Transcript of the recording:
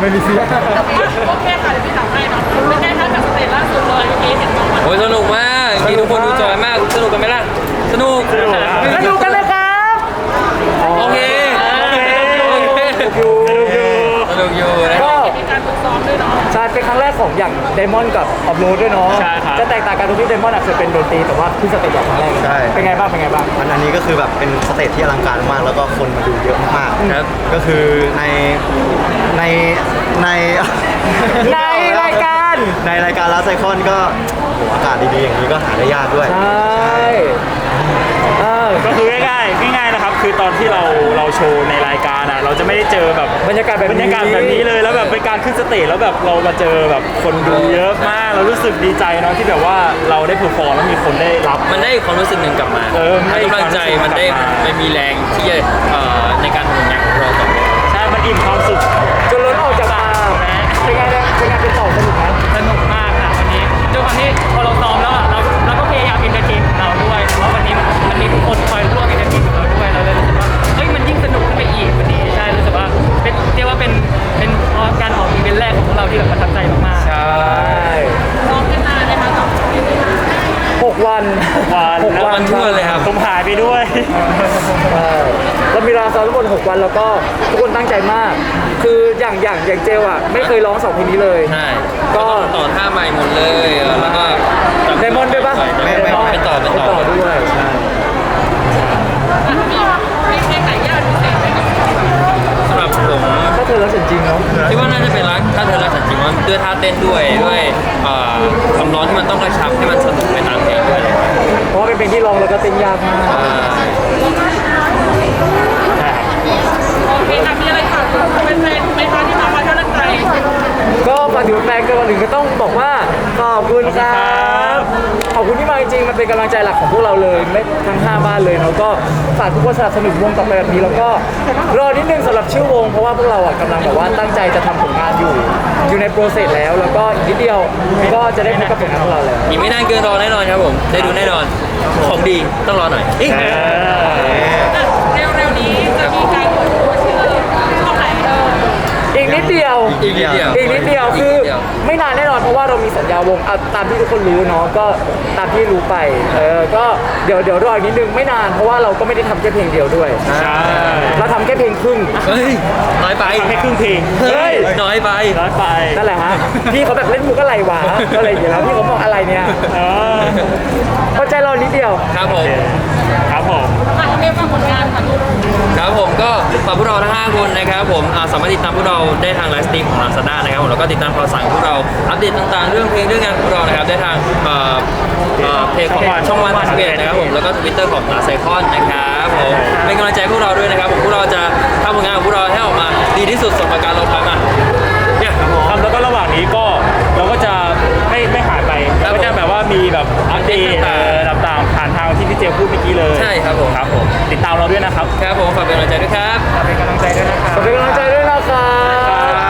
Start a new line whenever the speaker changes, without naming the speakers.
ไม่มีเสียง
โอเคค่ะเดี๋ยวพี่ถามให้เนาะเป็นไงคะจากสเตจล่าสุดเลยเห็นน้อง
โอ้ยสนุกมากที่ทุกคนดูจอยมากสนุกกันไหมล่ะสนุก
สนุกกันเลยครับ
โอเคสนุกอยู่นะ
ก็
มีการฝึกซ้อมด้วยเนาะ
ใช่เป็นครั้งแรกของอย่างไดมอนด์กับออฟโรดด้วยเนาะ
ใช่ครับ
จะแตกต่างกันตรงที่ไดมอนด์เคยเป็นดนตรีแต่ว่าขึ้นสเตจอย่างครั้งแรก
ใช่
เป็นไงบ้างเป็นไงบ้าง
อันนี้ก็คือแบบเป็นสเตจที่อลังการมากแล้วก็คนมาดูเยอะมาก
ครับ
ก็คือในใน
ในรายการ
ในรายการลาไซคอนก็โหอากาศดีๆอย่างนี้ก็หาได้ยากด้วย
ใช่
ก็คือง่ายๆนะครับคือตอนที่เราโชว์ในรายการอ่ะเราจะไม่ได้เจอแบบ
บรรยากาศแบบ
บร
นี้
รยากาศแบบนี้เลยแล้วแบบเป็นการขึ้นสเตจแล้วแบบเรามาเจอแบบคนดูเยอะมากเรารู้สึกดีใจเนาะที่แบบว่าเราได้เพอร์ฟอร์มแล้วมีคนได้รับ
มันได้ความรู้สึกหนึ่งกลับมา
มันได้
กำลังใจมันได้
ความรู้สึกกลับมา
มันมีแรงที่จะในการทำงานของเราต่อไป
ใช่มันอิ่มความสุข
จนล้นออกจากมาเป็นไงเนี่ยเป็นไงเป็นต่อสนุกไหม
สนุกมากค่ะวันนี้ด้วยความที่พอเราซ้อมแล้วเราก็พยายามเอนเตอร์เทนเราด้วยเพราะวันนี้มันมีทุกคนคอยร่วมเอนเตอร์เทนกับเราด้วยเราเลยรู้สึกว่าเฮ้ยมันยิ่งสนุกขึ้นไปอีกวันนี้ใช่รู้สึกว่าเป็นเรียกว่าเป็นการออกอีเวนต์แรกของพวกเราที่แบบประทับใจมากๆ
ใช่
ซ้อมกันนานนะคะกับ
6 วัน
วัน
วันทั่วเลยครับ
ผมหายไปด้วย
เรามีเวลาซ้อมทั้งหมด6 วันแล้วก็ทุกคนตั้งใจมาก คืออย่างเจลอ่ะไม่เคยร้อง2เพลงนี้เลย
ใช่
ก็
ต่อท่าใหม่หมดเลยแล้วก็
ไดมอนด์ด้วยปะ
ไม่เป็นต่อ
ด้วยใช่
มีเพลงไหนยากพิเศษไหมครับ
สำหรับผม
ถ้าเธอรักฉันจริงเนาะ
คิดว่าน่าจะเป็นรักถ้าเธอรักฉันจริงว่าด้วยท่าเต้นด้วยคำร้องที่มันต้องกระชับให้มันสนุกไปตามเพลงด้วย
เพราะว่าเป็นเพลงที่ร้องแล้วก็เต้นยากมาก
โอเคค่ะมีอะไรฝากเป็นแฟนไหมคะที่มาคอยให้กำลังใจ
ก็ฝากถึงแฟนกันวันหนึ่งก็ต้องบอกว่าขอบคุณครับขอบคุณที่มาจริงๆมันเป็นกำลังใจหลักของพวกเราเลยไม่ทั้ง5บ้านเลยเนาะก็ฝากทุกคนสนับสนุนวงต่อไปแบบนี้แล้วก็รอนิดนึงสำหรับชื่อวงเพราะว่าพวกเราอ่ะกำลังแบบว่าตั้งใจจะทำผลงานอยู่ในโปรเซสแล้วแล้วก็อีกนิดเดียวก็จะได้พบกับผลงานของเราแล้ว
อีกไม่นานเกินรอแน่นอนครับผมได้ดูแน่นอนของดีต้องรอหน่อย
เร็วๆนี้จะมีการเปิดตัวชื่อช่องไหน
อีกนิดเดียว
อีกนิดเดียว
อีกนิดเดียวคือไม่นานแน่นอนเพราะว่าเรามีสัญญาวงตามที่ทุกคนรู้เนาะก็ตามที่รู้ไปก็เดี๋ยวรออีกนิดนึงไม่นานเพราะว่าเราก็ไม่ได้ทำแค่เพลงเดียวด้วย
ใช่
เราทำแค่เพลงครึ่ง
เฮ้ยน้อยไป
แค่ครึ่งเพลง
เฮ้ย
น้อยไป
ร้อยไป
นั่นแหละฮะพี่เขาแบบเล่นมุกอะไรวะก็เลยอย่างเงี้ยแล้วพี่เขาบอกอะไรเนี่ย
เออ
เข้าใจเรานิดเดียว
ครับผม
ครับผม
อ่ะเรียกว่าผลงานค่ะลูก
ครับผมก็ฝากพวกเราทั้ง5คนนะครับผมสามารถติดตามพวกเราได้ทางไลฟ์สตรีมของ Lazada นะครับผมแล้วก็ติดตามข่าวสารของพวกเราอัปเดตต่างๆเรื่องเพลงเรื่องงานของพวกเรานะครับได้ทางเพจของช่องวัน31นะครับผมแล้วก็ Twitter ของ Last Icon นะครับผมเป็นกำลังใจให้พวกเราด้วยนะครับผมพวกเราจะทำผลงานของพวกเราให้ออกมาดีที่สุดสมการเราทำเนี่ย
ครับแล้วก็ระหว่างนี้ก็เราก็จะไม่หายไปเราก็จะแบบว่ามีแบบอัปเดตต่างๆผ่านทางที่พี่เจพูดเมื่อกี้เลย
ใช่ครับผม
ครับผมติดตามเราด้วยนะครับ
ครับผมฝากเป็นกำลังใจด้วยครับ
เป็นกำลังใจด้วยนะครับ
ขอเป็นกำลังใจด้วยนะครับ